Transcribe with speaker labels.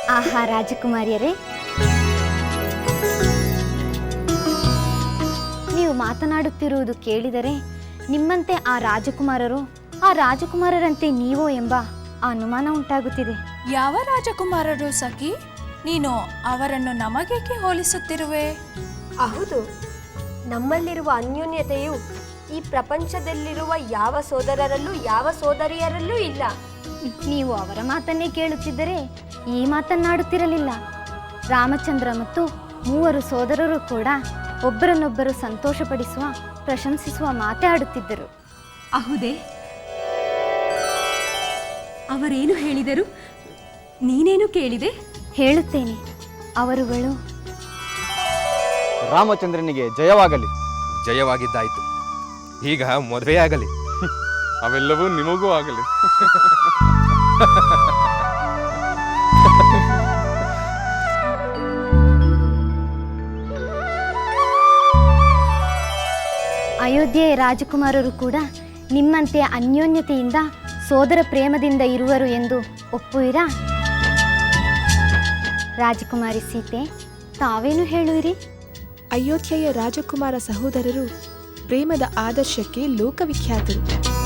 Speaker 1: ಆಹಾ ರಾಜಕುಮಾರಿಯರೇ, ನೀವು ಮಾತನಾಡುತ್ತಿರುವುದು ಕೇಳಿದರೆ ನಿಮ್ಮಂತೆ ಆ ರಾಜಕುಮಾರರು ಆ ರಾಜಕುಮಾರರಂತೆ ನೀವೋ ಎಂಬ ಅನುಮಾನ ಉಂಟಾಗುತ್ತಿದೆ.
Speaker 2: ಯಾವ ರಾಜಕುಮಾರರು ಸಖಿ? ನೀನು ಅವರನ್ನು ನಮಗೇಕೆ ಹೋಲಿಸುತ್ತಿರುವೆ?
Speaker 3: ಹೌದು, ನಮ್ಮಲ್ಲಿರುವ ಅನ್ಯೋನ್ಯತೆಯು ಈ ಪ್ರಪಂಚದಲ್ಲಿರುವ ಯಾವ ಸೋದರರಲ್ಲೂ ಯಾವ ಸೋದರಿಯರಲ್ಲೂ ಇಲ್ಲ.
Speaker 1: ನೀವು ಅವರ ಮಾತನ್ನೇ ಕೇಳುತ್ತಿದ್ದರೆ ಈ ಮಾತನ್ನಾಡುತ್ತಿರಲಿಲ್ಲ. ರಾಮಚಂದ್ರ ಮತ್ತು 3 ಸೋದರರು ಕೂಡ ಒಬ್ಬರನ್ನೊಬ್ಬರು ಸಂತೋಷಪಡಿಸುವ ಪ್ರಶಂಸಿಸುವ ಮಾತೇ ಆಡುತ್ತಿದ್ದರು.
Speaker 4: ಅಹುದೇ, ಅವರೇನು ಹೇಳಿದರು? ನೀನೇನು ಕೇಳಿದೆ?
Speaker 1: ಹೇಳುತ್ತೇನೆ. ಅವರುಗಳು
Speaker 5: ರಾಮಚಂದ್ರನಿಗೆ ಜಯವಾಗಲಿ.
Speaker 6: ಜಯವಾಗಿದ್ದಾಯಿತು, ಈಗ ಮದುವೆಯಾಗಲಿ.
Speaker 7: ಅವೆಲ್ಲವೂ ನಿಮಗೂ ಆಗಲಿ.
Speaker 1: ಅಯೋಧ್ಯೆಯ ರಾಜಕುಮಾರರು ಕೂಡ ನಿಮ್ಮಂತೆ ಅನ್ಯೋನ್ಯತೆಯಿಂದ ಸೋದರ ಪ್ರೇಮದಿಂದ ಇರುವರು ಎಂದು ಒಪ್ಪುವಿರಾ? ರಾಜಕುಮಾರಿ ಸೀತೆ, ತಾವೇನು ಹೇಳುವಿರಿ?
Speaker 8: ಅಯೋಧ್ಯೆಯ ರಾಜಕುಮಾರ ಸಹೋದರರು ಪ್ರೇಮದ ಆದರ್ಶಕ್ಕೆ ಲೋಕವಿಖ್ಯಾತರು.